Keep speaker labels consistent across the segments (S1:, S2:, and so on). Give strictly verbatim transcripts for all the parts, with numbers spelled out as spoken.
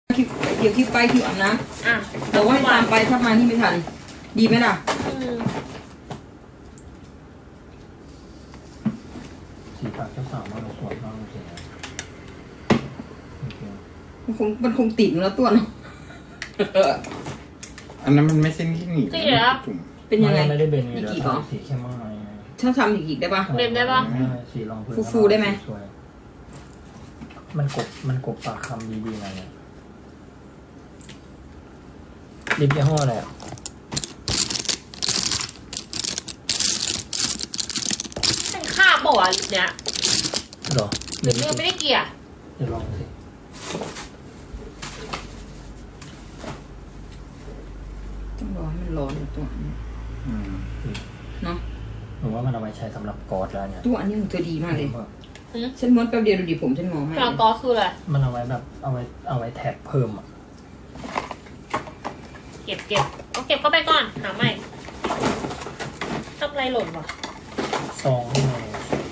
S1: คิวเดี๋ยวคิวไปคิวอาบน้
S2: อ่ะ
S1: ำแต่ว่าให้ตามไปถ้ามานี่ไม่ทัน ดีไหมล่ะ
S2: อืม
S3: สีปากเจ้าสาวมาเราสวยมากจริงๆนะโอเค
S1: มันคงมันคงติดแล้วตัวเนาะ
S4: อันนั้นมันไม่ใช่ที่หนีบ
S2: จริงเหรอ
S4: ถุง
S1: เป็นยังไง
S3: ไม่ได้เบนไง
S1: อีก
S3: เดี๋ยว
S1: กี่เหรอ
S3: ทำสีเข้มมากเลย
S1: ถ้าทำอีกอีกได้ปะ
S2: เบนได้ปะ
S3: สีรองพื้น
S1: ฟูๆได้ไหม
S3: สวยมันกบมันกบปากคำดีๆหน่อยเนี่ยลิปยี่ห้ออะไรอ่ะ
S2: เป็นคาบบอกอ่ะลิปเนี้ย
S3: หรอ
S2: ลิปเนี้ยไม่ได้เกลี่ย
S3: เดี๋ยวลองสิ
S1: ต้องรอให้มันร้อนตัวนี้
S4: อืม
S1: เนาะ
S3: หนูว่ามันเอาไว้ใช้สำหรับกอดแล้วเนี่ย
S1: ตัวอันนี้ของเธอดีมากเลย
S2: หืม
S1: ฉันม้วนแป๊บเดียวดูดิผมฉันงอมาก
S2: กลางกอคืออะไร
S3: มันเอาไว้แบบเอาไว้เอาไว้แท็กเพิ่มอ่ะ
S2: เก็บเก็บเอาเก็บเข้าไปก่อน หาใหม่ทำอะไรหล่นวะ
S3: ซองนี่ไง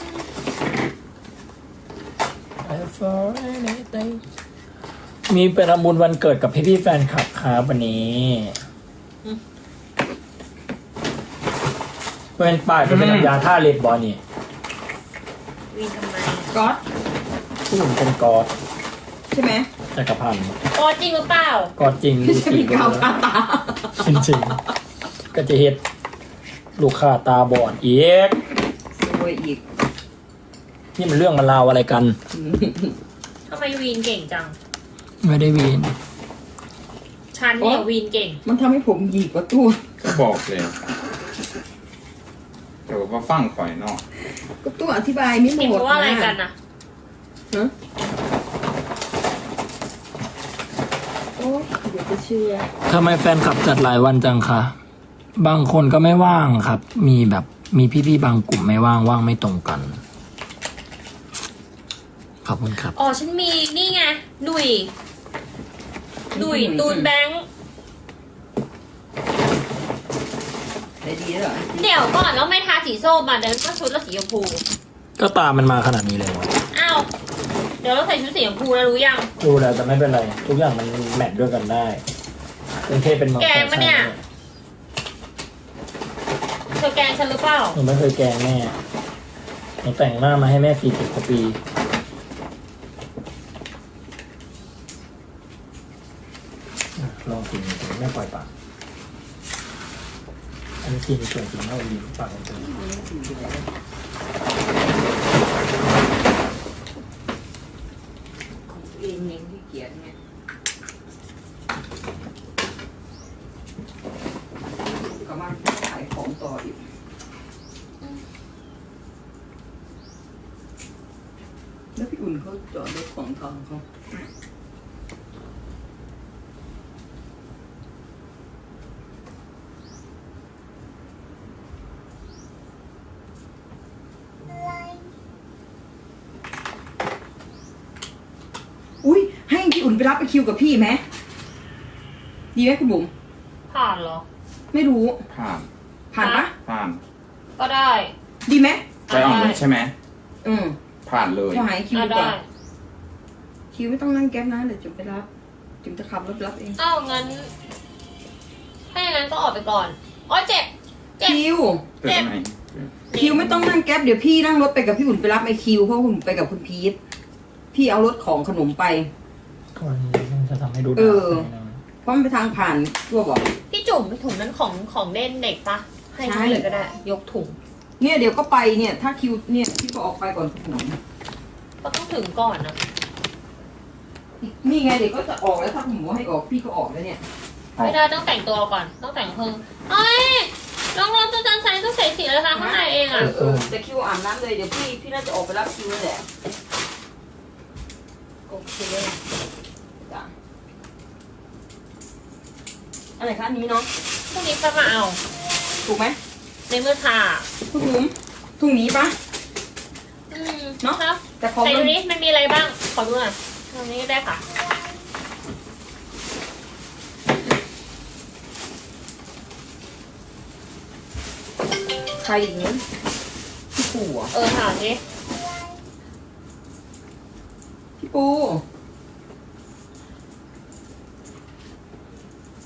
S3: for anything มีไปทำบุญวันเกิดกับพี่พี่ๆแฟนคลับครับวันนี้เป็นป้ายเป็นน้ำยาท่าเล็บบอนี่
S2: วีนทำไม
S1: ก๊อต
S3: ผู้หญิงเป็นกอด
S1: ใช่ไหม
S3: จักรพันธ์
S2: กอจริงหรือเปล่าก
S3: อดจริง
S1: ไม่ใช่มีกาวคาตา
S3: จริงจริงๆก็จะเฮ็ดลูกค้าตาบอดอีก
S1: โวยอีก
S3: นี่มันเรื่องมันราวอะไรกัน
S2: ทำไมวีนเก่งจัง
S3: ไม่ได้วีน
S2: ฉันเนี่ยวีนเก่ง
S1: มันทำให้ผมหยิกกว่าตัว
S4: ก็บอกเลยแต่ว่าฟังข่อยเนาะ
S1: ก็ตัวอธิบายไม่หม
S2: เห็น
S1: ด
S2: เพราะว่าอะไรกันนะ
S1: ฮะโอ้เดี๋ยวจะเชื่อ
S3: ทำไมแฟนคลับจัดหลายวันจังคะ บางคนก็ไม่ว่างครับ มีแบบมีพี่ๆบางกลุ่มไม่ว่างว่างไม่ตรงกัน ขอบคุณครับ
S2: อ๋อฉันมีนี่ไงหนุ่ยหนุ่ยตูนแบงค์
S1: ได้ดีแล้วเหรอ
S2: เดี๋ยวก่อนแล้วไม่ทาสีส้มอ่ะเดี๋ยวก็ชุดละสีชมพู
S3: ก็ตามมันมาขนาดนี้เลยวะ
S2: อ้าวเดี๋ยวเราใส่ชุดสีชมพูแล้วรู้ยัง
S3: ดูแล้วแต่ไม่เป็นไร ทุกอย่างมันแมทด้วยกันได้กรุงเทพเป็นเมือง
S2: แกงปะเนี่ย เธอแกล้งฉันหรือเปล่า
S3: หนูไม่เคยแกล้งแม่หนูแต่งหน้ามาให้แม่ฟรีสิบกว่าปีอ่ะลองกินกินไม่ปล่อยปากอันนี้กินส่วนกินเท่าดีปากมันเป็น
S1: เองเองที่เกียดเนี่ยก็มาขายของต่ออีกแล้วพี่อุ่นเขาจอดรถของทองเขาอุ้ยให้พี่อุ่นไปรับไปคิวกับพี่ไหมดีไหมคุณบุ๋ม
S2: ผ่านเหรอ
S1: ไม่รู้
S4: ผ่าน
S1: ผ่านปะ
S4: ผ่าน
S2: ก็ได้
S1: ดีไหม
S4: ไปอ่อนนุชใช่ไหม
S1: อืม
S4: ผ่านเลย
S1: พอหายคิว
S2: อ่ะ
S1: ดีก
S2: ได้
S1: ว่าคิวไม่ต้องนั่งแก๊ปนะเดี๋ยวจุ๋มไปรับจุ๋มจะขับรถรับเอง
S2: อ้าวงั้น ถ้าอย่างนั้นก็ออกไปก่อนอ๋อเจ็บ เจ็บ
S1: คิว
S4: เกิดไหม
S1: คิวไม่ต้องนั่งแก๊ปเดี๋ยวพี่นั่งรถไปกับพี่อุ่นไปรับไอคิวเพราะคุณไปกับคุณพีทพี่เอารถของขนมไป
S3: ก่อนมันจะทำให้ดู
S1: เออ
S3: ดาบ
S1: เพราะมันไปทางผ่านทั่วบอก
S2: พี่จุ่มถุงนั้นของของเล่นเด็กปะให้
S1: ใช่
S2: เขาเลยก็ได้ ยกถุง
S1: เนี่ยเดี๋ยวก็ไปเนี่ย ถ้าคิวเนี่ยพี่ก็ออกไปก่อนขนม
S2: ก็ต้องถึงก่อนนะ
S1: นี่ไงเดี๋ยวก็จะออกแล้วถ้าผมบอกให้ออกพี่ก็ออกแล้วเนี่ย
S2: ไม่ได้ต้องแต่งตัวก่อน ต้องแต่งเพิ่มเอ้ยน้องรอนตัวจันทร์ใส่ต้องใส่สีอะไรคะข้างในเอง
S1: เอ
S2: อ่ะ
S1: อเออแต่คิวอาบน้ำเลยเดี๋ยวพี่พี่น่าจะออกไปรับคิวนั่นแหละโอเคจ้ะอะไรคะอันนี้เนาะ
S2: พรุ่งนี้ก็มาเอา
S1: ถูกไหม
S2: ในเมื่อทา
S1: คุณบุ๋มถุงนี้ปะ
S2: อืม
S1: เนอะ
S2: ครับ
S1: แต่ของ
S2: ใส่
S1: มั
S2: ดู
S1: น
S2: นี้มันมีอะไรบ้าง ขอดูหน่อยตรงนี้ได้ค่ะ
S1: ใครอย่างนี้พี่ปูอ่ะ
S2: เออถามสิ
S1: พี่ปู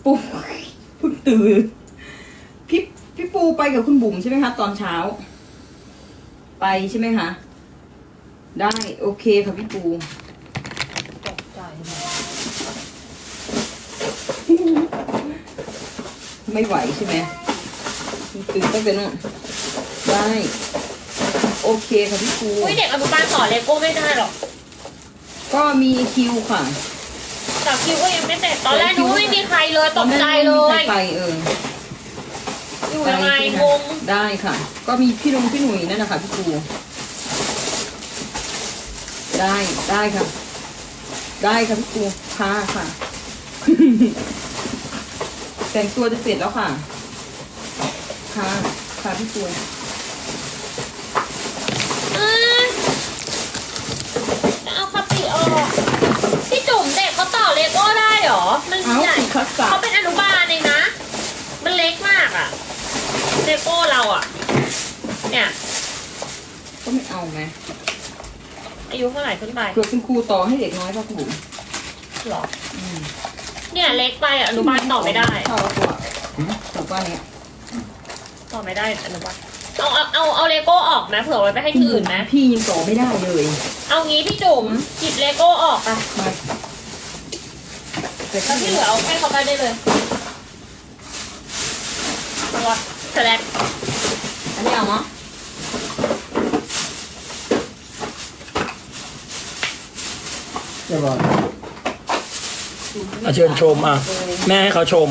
S1: ปูเพิ่งตื่นพี่พี่ปูไปกับคุณบุ๋มใช่ไหมคะตอนเช้า ไปใช่ไหมคะได้โอเคค่ะพี่ปู
S2: ตกใจ
S1: ไม่ไหวใช่ไหมตื่นตั้งแต่นู่นได้โอเคค่ะพี่ปู
S2: อุ้ยเด็กอนุบาลต่อเลโก้ไม่ได้หรอก
S1: ก็มีคิวค่ะ
S2: แต่คิวก็ยังไม่เสร็จตอนแรกนึกว่าไม่มีใครเลยตกใจเล
S1: ตอนแรกไม่มี
S2: ย
S1: ใครไปเออ
S2: อยู่ยังไงงง
S1: ได้ค่ะ ก็มีพี่ลุงพี่หนุ่ยนั่นนะคะพี่ปูได้ได้ค่ะ ได้ค่ะพี่ปูค่ะค่ะ แต่งตัวจะเสร็จแล้วค่ะ ค่ะค่ะพี่ปู
S2: อ่าเอาคติออกพี่จุ๋มเด็กเขาต่อเลโก้ได้เหรอ มัน
S1: เอา
S2: ใหญ่
S1: สิคัสสะ
S2: เขาเป็นอนุบาลเองนะ มันเล็กมากอะเลโก้เราอะเนี่ย
S1: ก็ไม่เอาไง
S2: อายุเท่าไหร่ขึ้นไป
S1: เผื่อคุณครูต่อให้เด็กน้อยป่ะคุณบุ๋ม
S2: หรอ
S1: อืม
S2: เนี่ยเล็กไปอะอนุบาลต่อไม่ได้
S1: เข้าแล้วตัวถูกป่ะเนี่ย
S2: ต่อไม่ได้อนุบาลเอาเอาเอาเอาเลโก้ออกนะเผื่อไว้ไปให้ที่อื่นนะ
S1: พี่ยังต่อไม่ได้เลย
S2: เอางี้พี่จุ๋มหยิบเลโก้ออกไป
S1: มาแต่
S2: แล้วที่เหลือเอาให้เขาไปได้เลยตัวสแลก
S1: อันนี้เอาเนาะ
S3: เรียบร้อยอ่ะเชิญชมอ่ะ แม่ให้เขาชม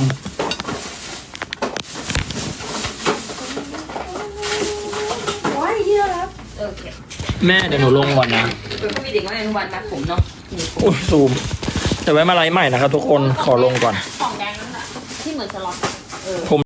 S1: ว้ายเยอะแล้ว
S2: โอเค
S3: แม่เดี๋ยวหนูลงก่อนนะ
S1: เปิดก็มีเด็กน้อยอนุบาลนัดผมเนาะ
S3: อุ้ยซูมแต่ไว้มาไลฟ์ใหม่นะครับทุกคนขอลงก่อน
S2: ของแดงนั่นแหละที่เหมือนสล็อต
S1: เออ
S3: ผม